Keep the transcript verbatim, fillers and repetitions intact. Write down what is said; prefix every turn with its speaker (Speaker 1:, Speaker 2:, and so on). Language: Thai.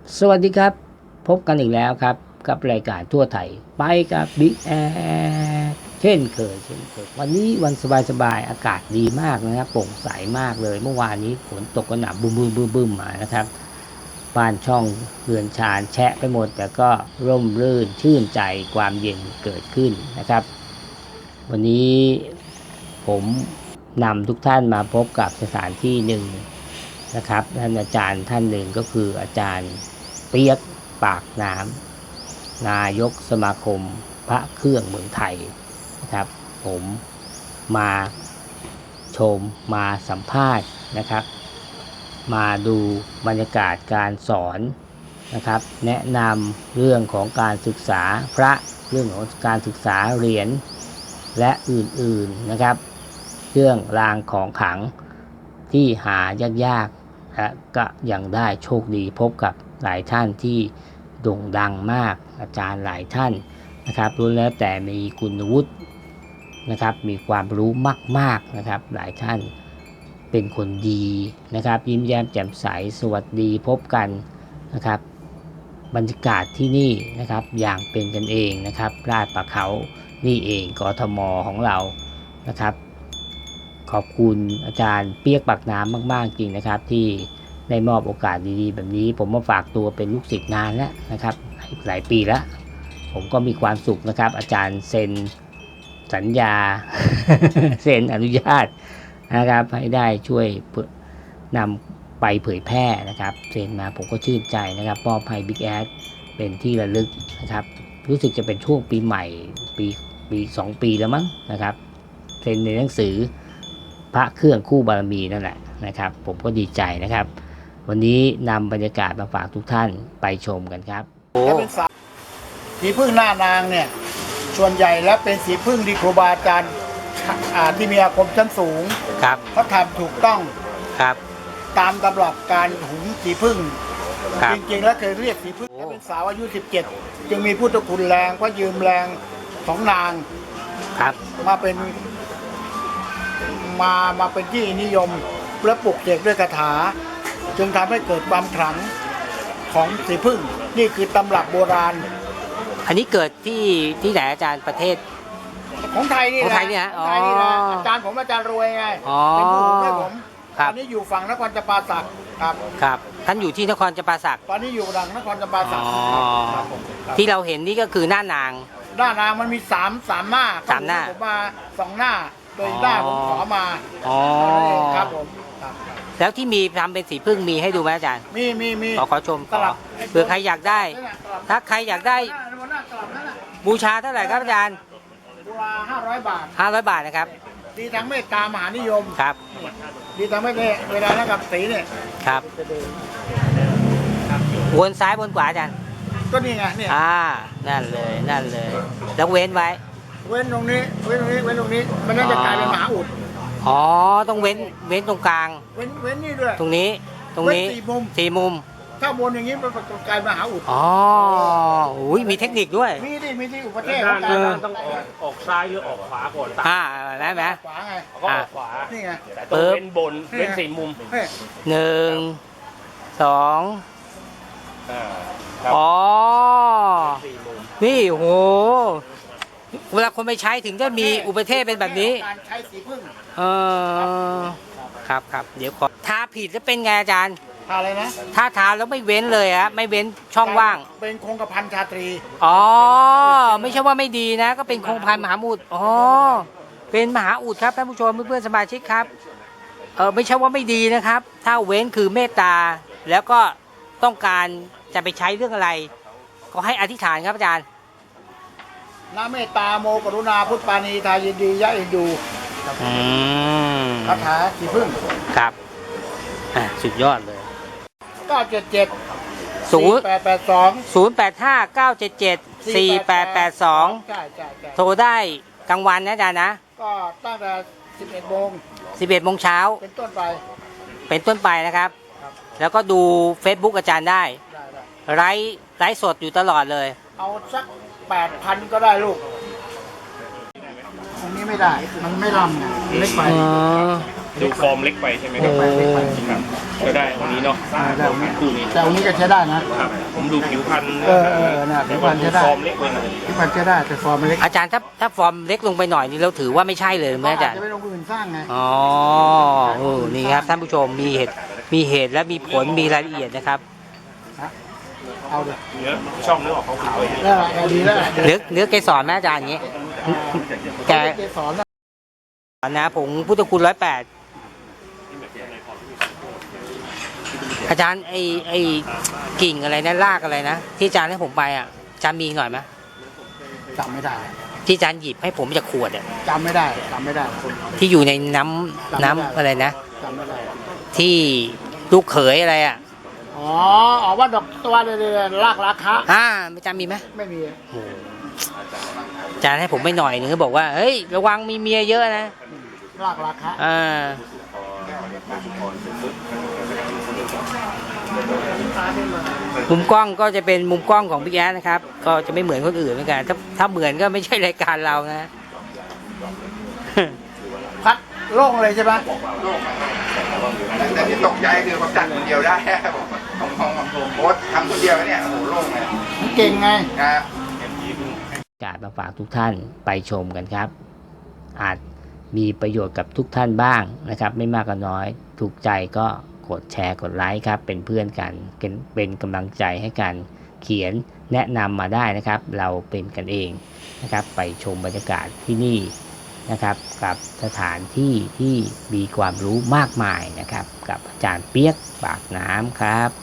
Speaker 1: สวัสดีครับพบกันอีกแล้วครับกับรายการทั่วไทยไปกับบิ๊กแอดเช่นเคยเช่นเคยวันนี้วันสบายๆอากาศดีมากนะครับโปร่งใสมากเลยเมื่อวานนี้ฝนตกกระหน่ำบึ้มบึ้มบึ้มบึ้มมานะครับบ้านช่องเรือนชานแฉะไปหมดแต่ก็ร่มรื่นชื่นใจความเย็นเกิดขึ้นนะครับวันนี้ผมนำทุกท่านมาพบกับสถานที่หนึ่งนะครับท่านอาจารย์ท่านหนึ่งก็คืออาจารย์เปียกปากน้ำนายกสมาคมพระเครื่องเมืองไทยนะครับผมมาชมมาสัมภาษณ์นะครับมาดูบรรยากาศการสอนนะครับแนะนำเรื่องของการศึกษาพระเรื่องของการศึกษาเหรียญและอื่นๆนะครับเรื่องรางของขลังที่หายากๆและก็ยังได้โชคดีพบกับหลายท่านที่โด่งดังมากอาจารย์หลายท่านนะครับล้วนแล้วแต่มีคุณวุฒินะครับมีความรู้มากๆนะครับหลายท่านเป็นคนดีนะครับยิ้มแย้มแจ่มใสสวัสดีพบกันนะครับบรรยากาศที่นี่นะครับอย่างเป็นกันเองนะครับลาดประเขานี่เองกทมของเรานะครับขอบคุณอาจารย์เปียกปากน้ำมากๆจริงนะครับที่ได้มอบโอกาสดีๆแบบนี้ผมมาฝากตัวเป็นลูกศิษย์นานแล้วนะครับหลายปีแล้วผมก็มีความสุขนะครับอาจารย์เซ็นสัญญา เซ็นอนุญาตนะครับให้ได้ช่วยนำไปเผยแพร่นะครับเซ็นมาผมก็ชื่นใจนะครับมอบให้บิ๊กแอดเป็นที่ระลึกนะครับรู้สึกจะเป็นช่วงปีใหม่ปีปีสองปีแล้วมั้งนะครับเซ็นในหนังสือพระเครื่องคู่บารมีนั่นแหละนะครับผมก็ดีใจนะครับวันนี้นำบรรยากาศมาฝากทุกท่านไปชมกันครับ
Speaker 2: และเป็นสีพึ่งหน้านางเนี่ยส่วนใหญ่แล้วเป็นสีพึ่งที่ครูบาอาจารย์ที่มีอาคมชั้นสูง
Speaker 1: ครับ
Speaker 2: เขาทำถูกต้อง
Speaker 1: ครับ
Speaker 2: ตามตำรับการหุงสีพึ่งจริงๆแล้วเคยเรียกสีพึ่งเป็นสาวอายุสิบเจ็ดจึงมีพุทธคุณแรงเพราะยืมแรงของนาง
Speaker 1: ครับ
Speaker 2: มาเป็นมามาเป็นที่นิยมและปลุกเสกด้วยคาถาจึงทำให้เกิดความขลังของสีพึ่งนี่คือตำรับโบราณ
Speaker 1: อันนี้เกิดที่ที่ไหนอาจารย์ประเทศ
Speaker 2: ของไทยนี่แหละ
Speaker 1: ของไทยนี่ฮะอ๋อ
Speaker 2: อาจารย์ผมอาจารย์รวยไง
Speaker 1: เป็น
Speaker 2: ผู้หุงให้ผม
Speaker 1: ต
Speaker 2: อนนี้อยู่ฝั่งนครจำปาสักครับ
Speaker 1: ครับท่านอยู่ที่นครจำปาสัก
Speaker 2: ตอนนี้อยู่ดังนครจำปาสัก
Speaker 1: ที่เราเห็นนี่ก็คือหน้านาง
Speaker 2: หน้านางมันมีสามสามหน้า
Speaker 1: สามหน้า
Speaker 2: ผมมาสองหน้าโดยหน้าผมขอมา
Speaker 1: อ๋อ
Speaker 2: ครับผม
Speaker 1: แล้วที่มีทำเป็นสีพึ่งมีให้ดูไหมอาจารย์
Speaker 2: มีมีมี
Speaker 1: ขอขอชมขอเผื่อใครอยากได้ถ้าใครอยากได้บูชาเท่าไหร่ครับอาจารย์
Speaker 2: บูชาห้าร้อยบาท
Speaker 1: ห้าร้อยบาทนะครับ
Speaker 2: ดีทั้งเมตตามหานิยม
Speaker 1: ครับ
Speaker 2: ดีทั้งไม่เนี่ยเวลาแล้วกับสีเนี่ย
Speaker 1: ครับวนซ้ายวนขวาอาจารย์
Speaker 2: ก็นี่ไงเนี่ย
Speaker 1: อ่านั่นเลยนั่นเลยแล้วเว้นไว้
Speaker 2: เว้นตรงนี้เว้นตรงนี้เว้นตรงนี้มันน่าจะกลายเป็นมหาอุด
Speaker 1: อ๋อต้องเว้นเว้นตรงกลาง
Speaker 2: เว้นเว้นนี่ด้วย
Speaker 1: ตรงนี้ตรงนี้
Speaker 2: สี่มุม
Speaker 1: สี่มุม
Speaker 2: ถ้าบนอย่างนี้มันกลายเป็นมหาอุด
Speaker 1: อ๋ออุ้ยมีเทคนิคด้วย
Speaker 2: มีดิมีที่อุปเทศ
Speaker 3: ต้องออกออกซ้ายหรือออกขวาก่อน
Speaker 1: อ่าได้ไหม
Speaker 2: ขวาไง
Speaker 3: ก็ออกขวา
Speaker 2: นี่ไง
Speaker 3: แต่ต้องเว้นบนเว้นสี่มุม
Speaker 1: หนึ่งสองอ๋อนี่โหเวลาคนไปใช้ถึงจะมีอุปเทศเป็นแบบนี้
Speaker 2: การใช้สีพึ่ง
Speaker 1: เออครับครับเดี๋ยวขอทาผิดจะเป็นไงอาจารย์
Speaker 2: ทาอะไรนะ
Speaker 1: ถ้าทาแล้วไม่เว้นเลยฮะไม่เว้นช่องว่าง
Speaker 2: เป็นคงกระพันชาตรี
Speaker 1: อ๋อไม่ใช่ว่าไม่ดีนะก็เป็นคงพันมหาอุดอ๋อเป็นมหาอุดครับท่านผู้ชมเพื่อนๆสมาชิกครับเออไม่ใช่ว่าไม่ดีนะครับถ้าเว้นคือเมตตาแล้วก็ต้องการจะไปใช้เรื่องอะไรก็ให้อธิษฐานครับอาจารย์
Speaker 2: นะเมตตาโมกรุณาพุทธปานีทายินดียะเอ็นดูคาถาสีพึ่ง
Speaker 1: ครับอ่ะสุดยอดเลย
Speaker 2: เก้าเจ็ดเจ็ด
Speaker 1: ศูนย์
Speaker 2: แปดแปดสอง
Speaker 1: ศูนย์แปดห้า เก้าเจ็ดเจ็ด สี่แปดแปดสอง
Speaker 2: ใช่ใช่ใช่
Speaker 1: โทรได้กลางวันนะอาจารย์นะ
Speaker 2: ก็ตั้งแต่สิบเอ็ดโมง
Speaker 1: สิบเอ็ดโมงเช้า
Speaker 2: เป็นต้นไป
Speaker 1: เป็นต้นไปนะครับแล้วก็ดู Facebook อาจารย์ได้ไลฟ์ไลฟ์สดอยู่ตลอดเลย
Speaker 2: เอาสักแปดพันก็ได้ลูกอันนี้ไม่ได้มันไม่ลำไงเล็กไป
Speaker 3: ดูฟอร์มเล็กไปใช่ไหมค
Speaker 1: โอ้
Speaker 3: รับครับก็ได้วันนี้เนาะ
Speaker 2: อ่าได้
Speaker 3: คู่นี้
Speaker 2: แต่วันนี้ก็ใช้ได้นะ
Speaker 3: ครับผมดูผิวพรรณ
Speaker 2: เออเออน่ะผิวพรรณใช้ได้
Speaker 3: ฟอร์มเล็กไปหน่อย
Speaker 2: ที่มันใช้ได้แต่ฟอร์มมันเล็ก
Speaker 1: อาจารย์ถ้าถ้าฟอร์มเล็กลงไปหน่อยนี่เราถือว่าไม่ใช่เลยไหมอาจารย์
Speaker 2: จะไม่ลงอื่นสร้างไง
Speaker 1: อ๋อเออนี่ครับท่านผู้ชมมีเหตุมีเหตุและมีผลมีรายละเอียดนะครับ
Speaker 2: เอาเลย
Speaker 3: เนื้อช่องเนื้อออกขาวๆอย่างนี้
Speaker 2: แล้วล่ะเอาดีแล้วล่ะ
Speaker 1: เนื้อเนื้อเกสรแม่อาจารย์อย่างนี้ แก
Speaker 2: เกสรนะ
Speaker 1: นะผงพุทธคุณร้อยแปดอาจารย์ไอไอกิ่งอะไรนะรากอะไรนะที่อาจารย์ให้ผมไปอ่ะอาจารย์มีหน่อยไหม
Speaker 2: จำไม่ได้
Speaker 1: ที่อาจารย์หยิบให้ผมจากขวดอ่ะ
Speaker 2: จำไม่ได้จำไม่ได้
Speaker 1: ที่อยู่ในน้ำน้ำอะไรนะ
Speaker 2: จำไม่ได้
Speaker 1: ที่ลูกเขยอะไรอ่ะ
Speaker 2: อ๋ออ๋อว่าดอกตัวเลยๆรากราคา
Speaker 1: อ่าอาจารย์มีไหม
Speaker 2: ไม่มี
Speaker 1: โอ้โหอาจารย์ให้ผมไม่หน่อยนึงก็บอกว่าเฮ้ยระวังมีเมียเยอะนะ
Speaker 2: รากราคา
Speaker 1: อ่ามุมกล้องก็จะเป็นมุมกล้องของพี่แอ๊ดนะครับ ก็จะไม่เหมือนคนอื่นเหมือนกัน ถ้าถ้าเหมือนก็ไม่ใช่รายการเรานะ
Speaker 2: พัดโล่งเลยใช่ไหม
Speaker 4: แต่ที่ตกใจคือผมจัดคนเดียวได้ ผมของของโพสต์ทำคนเดียวเนี่ยโอ้โหโล่งเลย
Speaker 2: เก่งไง
Speaker 4: ครับ
Speaker 1: กาสมาฝากทุกท่านไปชมกันครับ อาจมีประโยชน์กับทุกท่านบ้างนะครับ ไม่มากก็น้อยถูกใจก็กดแชร์กดไลค์ครับเป็นเพื่อนกันเป็นเป็นกำลังใจให้กันเขียนแนะนำมาได้นะครับ เราเป็นกันเองนะครับไปชมบรรยากาศที่นี่นะครับกับสถานที่ที่มีความรู้มากมายนะครับกับอาจารย์เปียกปากน้ำครับ